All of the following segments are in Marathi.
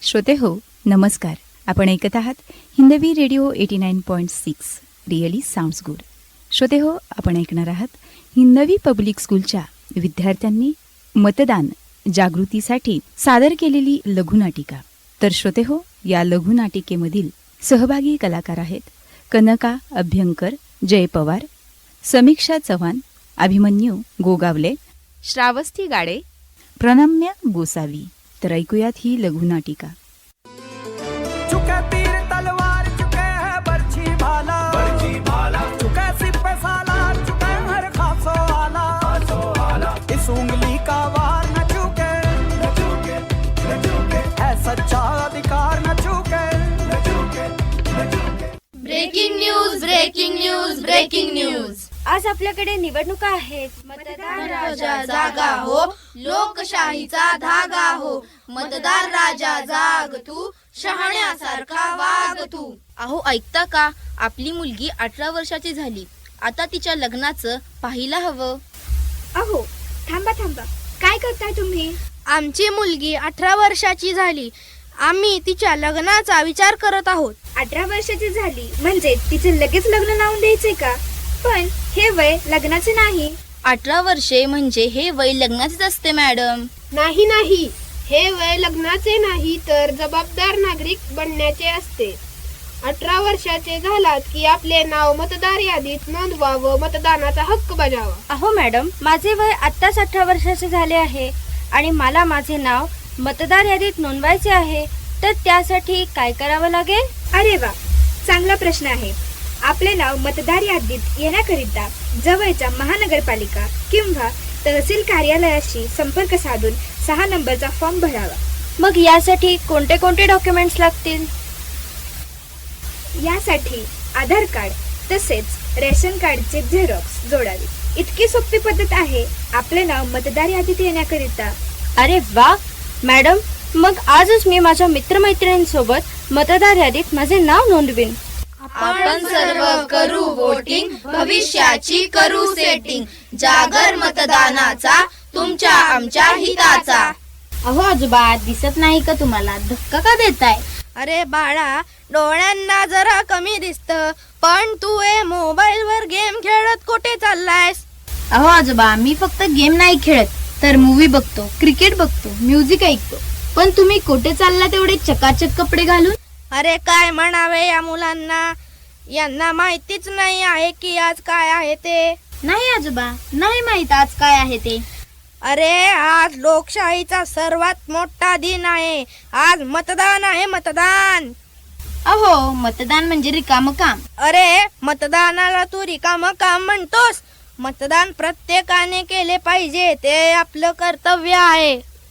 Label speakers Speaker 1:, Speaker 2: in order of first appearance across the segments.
Speaker 1: श्रोते हो, नमस्कार. आपण ऐकत आहात Hindavi radio 89.6 really sounds good. श्रोते हो, आपण ऐकणार आहात हिंदवी पब्लिक स्कूलच्या विद्यार्थ्यांनी मतदान जागृतीसाठी सादर केलेली लघुनाटिका. तर श्रोते हो, या लघुनाटिकेमधील सहभागी कलाकार आहेत कनका अभ्यंकर, जय पवार, समीक्षा चव्हाण, अभिमन्यू गोगावले, श्रावस्ती गाडे, प्रणम्य गोसावी. तर ऐकूयात ही लघुनाटिका.
Speaker 2: चुके तीर तलवार, चुके है बर्छी भाला, चुके सिपे सालार, चुके हर खासो आला, इस उंगली का वार न चुके, है सच्चा अधिकार न चुके.
Speaker 3: Breaking news, breaking news, breaking news.
Speaker 4: आज आपल्याकडे निवडणुका आहेत.
Speaker 3: मतदार राजा जागा हो, लोकशाहीचा धागा हो. मतदार राजा जाग तू, शहाण्यासारखा वाग तू. अहो ऐकता का, आपली मुलगी 18 वर्षाची झाली. आता तिच्या लग्नाचं पाहायला हवं.
Speaker 4: अहो थांबा, काय करताय तुम्ही?
Speaker 3: आमची मुलगी 18 वर्षाची झाली. आम्ही तिच्या लग्नाचा विचार करत आहोत.
Speaker 4: 18 वर्षाची झाली म्हणजे तिचे लगेच लग्न लावून द्यायचे का? पण हे वय लग्नाचे नाही.
Speaker 3: 18 वर्षे म्हणजे हे वय लग्नाचेच असते मॅडम.
Speaker 5: नाही, हे वय लग्नाचे नाही तर जबाबदार नागरिक बनण्याचे असते. 18 वर्षाचे झालात की आपले नाव मतदार यादीत नोंदवावं, मतदानाचा हक्क बजावा.
Speaker 4: अहो मॅडम, माझे वय आत्ताच 18 वर्षाचे झाले आहे आणि मला माझे नाव मतदार यादीत नोंदवायचे आहे. तर त्यासाठी काय करावं लागेल? अरे वा, चांगला प्रश्न आहे. आपले नाव मतदार यादीत येण्याकरिता जवळच्या महानगरपालिका किंवा तहसील कार्यालयाशी संपर्क साधून 6 नंबरचा फॉर्म भरावा. मग यासाठी कोणते कोणते डॉक्युमेंट्स लागतील? यासाठी आधार कार्ड तसेच रेशन कार्डचे झेरॉक्स जोडावे. इतकी सोपी पद्धत आहे आपले नाव मतदार यादीत येण्याकरिता. अरे वा मॅडम, मग आजच मी माझ्या मित्रमैत्रिणींसोबत मतदार यादीत माझे नाव नोंदवीन.
Speaker 3: आपण सर्व करू वोटिंग, भविष्याची करू सेटिंग. जागर मतदानाचा, तुमच्या आमच्या हिताचा.
Speaker 4: अहो आजोबा, दिसत नाही का तुम्हाला? धक्का का देताय?
Speaker 3: अरे बाळा, डोळ्यांना जरा कमी दिसत, पण तू मोबाईल वर गेम खेळत कुठे चाललायस?
Speaker 4: अहो आजोबा, मी फक्त गेम नाही खेळत तर मूवी बघतो, क्रिकेट बघतो, म्युझिक ऐकतो. पण तुम्ही कुठे चालला तेवढे चकाचक कपडे घालून?
Speaker 3: अरे काय म्हणावे या मुलांना, यांना माहितीच नाही आहे की आज काय आहे ते.
Speaker 4: नाही आजोबा, नाही माहित आज काय आहे ते.
Speaker 3: अरे आज लोकशाहीचा सर्वात मोठा दिन आहे. आज मतदान आहे, मतदान.
Speaker 4: अहो, मतदान म्हणजे रिकामं काम.
Speaker 3: अरे मतदानाला तू रिकामं काम म्हणतोस? मतदान प्रत्येकाने केले पाहिजे, ते आपलं कर्तव्य आहे.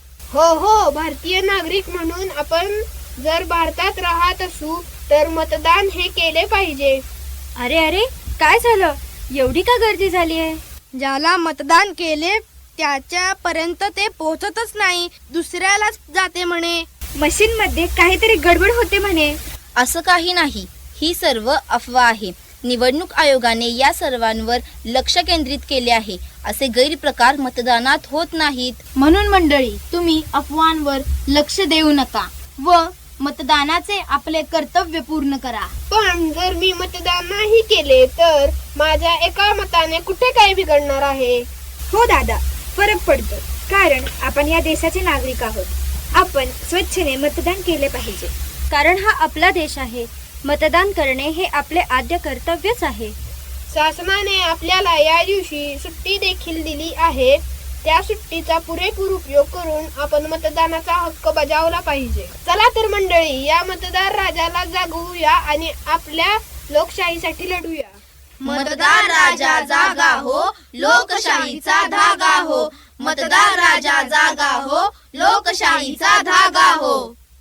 Speaker 5: हो, भारतीय नागरिक म्हणून आपण जर भारतात राहत असू तर मतदान हे केले पाहिजे.
Speaker 4: अरे काय झालं? एवढी का गर्दी झाली आहे?
Speaker 3: ज्याला मतदान केले त्याच्यापर्यंत ते पोहोचतच नाही, दुसऱ्यालाच जाते म्हणे.
Speaker 4: मशीन मध्ये काहीतरी गडबड होते म्हणे.
Speaker 3: असं काही नाही, ही सर्व अफवा आहे. निवडणूक आयोगाने या सर्वांवर लक्ष केंद्रित केले आहे. असे गैरप्रकार मतदानात होत नाहीत.
Speaker 4: म्हणून मंडळी, तुम्ही अफवांवर लक्ष देऊ नका व मतदानाचे आपले कर्तव्य पूर्ण करा.
Speaker 5: पण जर मी मतदान नाही केले तर माझ्या एका मताने कुठे काय बिघडणार आहे?
Speaker 4: हो दादा, फरक पडतो, कारण आपण या देशाचे नागरिक आहोत. आपण स्वच्छेने मतदान केले पाहिजे, कारण हा आपला देश आहे. मतदान करणे हे आपले आद्य कर्तव्यच आहे.
Speaker 5: शासनाने आपल्याला या दिवशी सुट्टी देखील दिली आहे. त्या सुट्टीचा पुरेपूर उपयोग करून आपण मतदानाचा हक्क बजावला पाहिजे. चला तर मंडळी, या मतदार राजाला जागवूया आणि आपल्या लोकशाहीसाठी लढूया.
Speaker 3: मतदार राजा जागा हो, लोकशाहीचा धागा हो. मतदार राजा जागा हो, लोकशाहीचा धागा हो.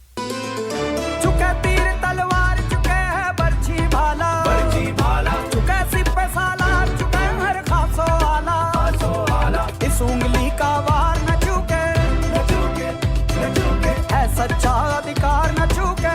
Speaker 2: चुके तीर तलवार, चुके है बर्छी भाला, चुके सिपे सालार, चुके हर खासो आला, इस उंगली का वार न चुके, है सच्चा अधिकार न चुके.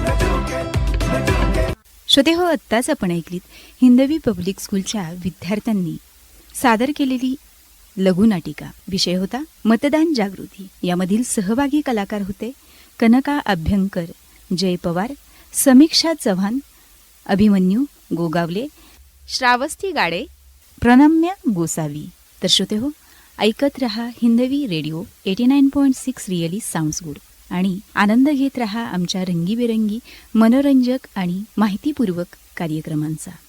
Speaker 1: श्रोते हो, आत्ताच आपण ऐकलीत हिंदवी पब्लिक स्कूलच्या विद्यार्थ्यांनी सादर केलेली लघुनाटिका. विषय होता मतदान जागृती. यामधील सहभागी कलाकार होते कनका अभ्यंकर, जय पवार, समीक्षा चव्हाण, अभिमन्यू गोगावले, श्रावस्ती गाडे, प्रणम्य गोसावी. तर श्रोते हो, ऐकत रहा Hindavi radio 89.6 really sounds good आणि आनंद घेत रहा आमच्या रंगीबेरंगी मनोरंजक आणि माहितीपूर्वक कार्यक्रमांचा.